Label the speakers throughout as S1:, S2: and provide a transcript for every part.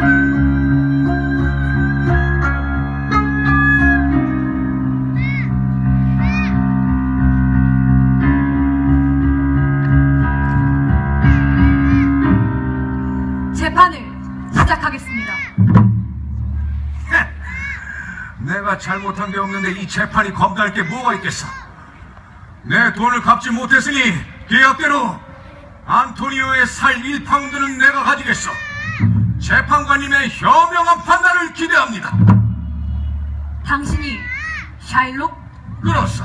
S1: 재판을 시작하겠습니다.
S2: 내가 잘못한 게 없는데 이 재판이 겁날 게 뭐가 있겠어? 내 돈을 갚지 못했으니 계약대로 안토니오의 살 1파운드는 내가 가지겠어. 재판관님의 현명한 판단을 기대합니다.
S1: 당신이 샤일록?
S2: 그렇소.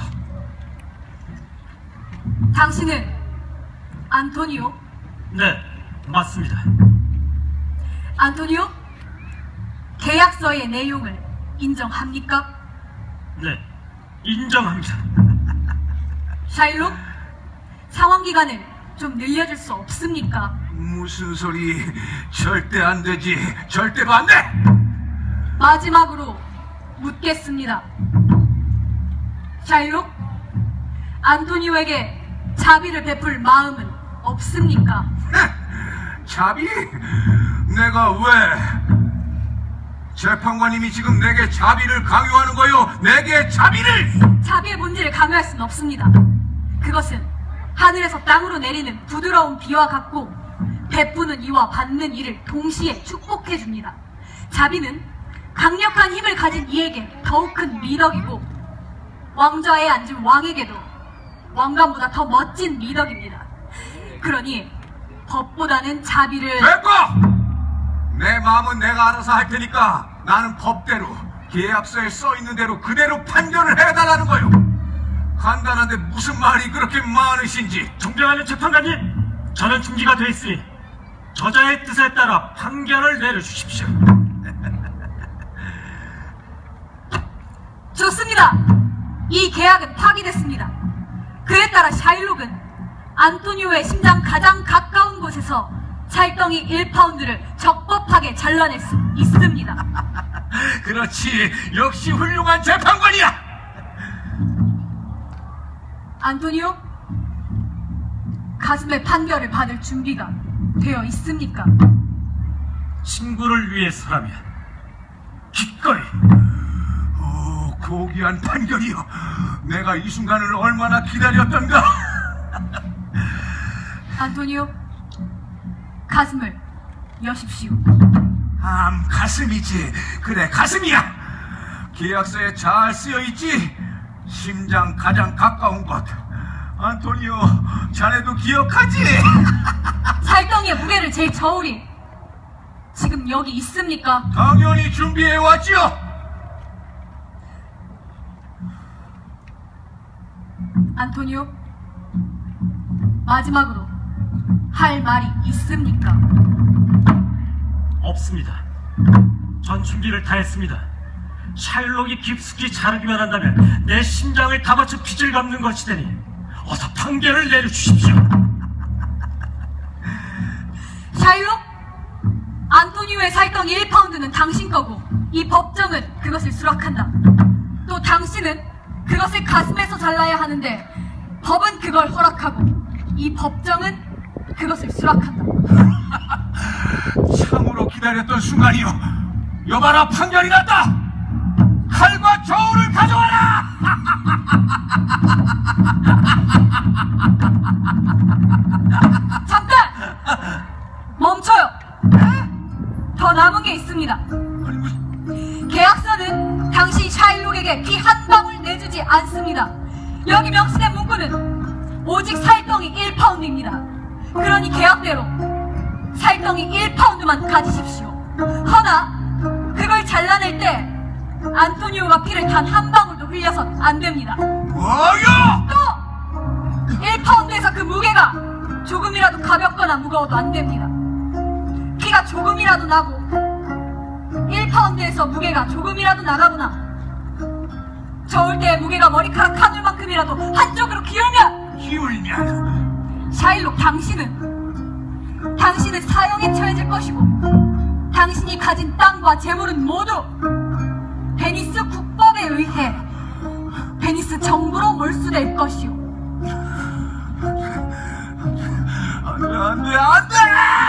S1: 당신은 안토니오?
S3: 네, 맞습니다.
S1: 안토니오? 계약서의 내용을 인정합니까?
S3: 네, 인정합니다.
S1: 샤일록? 상환기간을 좀 늘려줄 수 없습니까?
S2: 무슨 소리? 절대 안 되지. 절대로 안 돼!
S1: 마지막으로 묻겠습니다. 샤일록? 안토니오에게 자비를 베풀 마음은 없습니까?
S2: 자비? 내가 왜? 재판관님이 지금 내게 자비를 강요하는 거요. 내게 자비를!
S1: 자비의 본질을 강요할 수는 없습니다. 그것은 하늘에서 땅으로 내리는 부드러운 비와 같고 베푸는 이와 받는 이를 동시에 축복해 줍니다. 자비는 강력한 힘을 가진 이에게 더욱 큰 미덕이고 왕좌에 앉은 왕에게도 왕관보다 더 멋진 미덕입니다. 그러니 법보다는 자비를...
S2: 됐고! 내 마음은 내가 알아서 할 테니까 나는 법대로 계약서에 써있는 대로 그대로 판결을 해달라는 거요. 간단한데 무슨 말이 그렇게 많으신지.
S3: 존경하는 재판관님, 저는 중지가 돼 있으니 저자의 뜻에 따라 판결을 내려주십시오.
S1: 좋습니다. 이 계약은 파기됐습니다. 그에 따라 샤일록은 안토니오의 심장 가장 가까운 곳에서 찰덩이 1파운드를 적법하게 잘라낼 수 있습니다.
S2: 그렇지. 역시 훌륭한 재판관이야.
S1: 안토니오, 가슴에 판결을 받을 준비가 되어 있습니까?
S3: 친구를 위해서라면 기꺼이.
S2: 오, 고귀한 판결이요. 내가 이 순간을 얼마나 기다렸던가.
S1: 안토니오, 가슴을 여십시오.
S2: 가슴이지. 그래, 가슴이야. 계약서에 잘 쓰여있지. 심장 가장 가까운 곳. 안토니오, 자네도 기억하지?
S1: 찰덩이의 무게를 잴 저울이 지금 여기 있습니까?
S2: 당연히 준비해왔지요.
S1: 안토니오, 마지막으로 할 말이 있습니까?
S3: 없습니다. 전 준비를 다 했습니다. 샤일록이 깊숙이 자르기만 한다면 내 심장을 다 바쳐 빚을 갚는 것이 되니 어서 판결을 내려주십시오.
S1: 샤일록, 안토니오의 살덩이 1파운드는 당신 거고 이 법정은 그것을 수락한다. 또 당신은 그것을 가슴에서 잘라야 하는데 법은 그걸 허락하고 이 법정은 그것을 수락한다.
S2: 참으로 기다렸던 순간이요. 여봐라, 판결이 났다. 칼과 저울을 가져와라.
S1: 잠깐! 멈춰요. 더 남은 게 있습니다. 계약서는 당신 샤일록에게 피 한 방울 내주지 않습니다. 여기 명시된 문구는 오직 살덩이 1파운드입니다. 그러니 계약대로 살덩이 1파운드만 가지십시오. 허나 그걸 잘라낼 때 안토니오가 피를 단 한 방울도 흘려선 안 됩니다.
S2: 뭐요?
S1: 또 1파운드에서 그 무게가 조금이라도 가볍거나 무거워도 안 됩니다. 피가 조금이라도 나고 1파운드에서 무게가 조금이라도 나가거나 저울대의 무게가 머리카락 한 울만큼이라도 한쪽으로 기울면 샤일록, 당신은 사형에 처해질 것이고 당신이 가진 땅과 재물은 모두 베니스 국법에 의해 베니스 정부로 몰수될 것이오.
S2: 안 돼, 안 돼, 안 돼!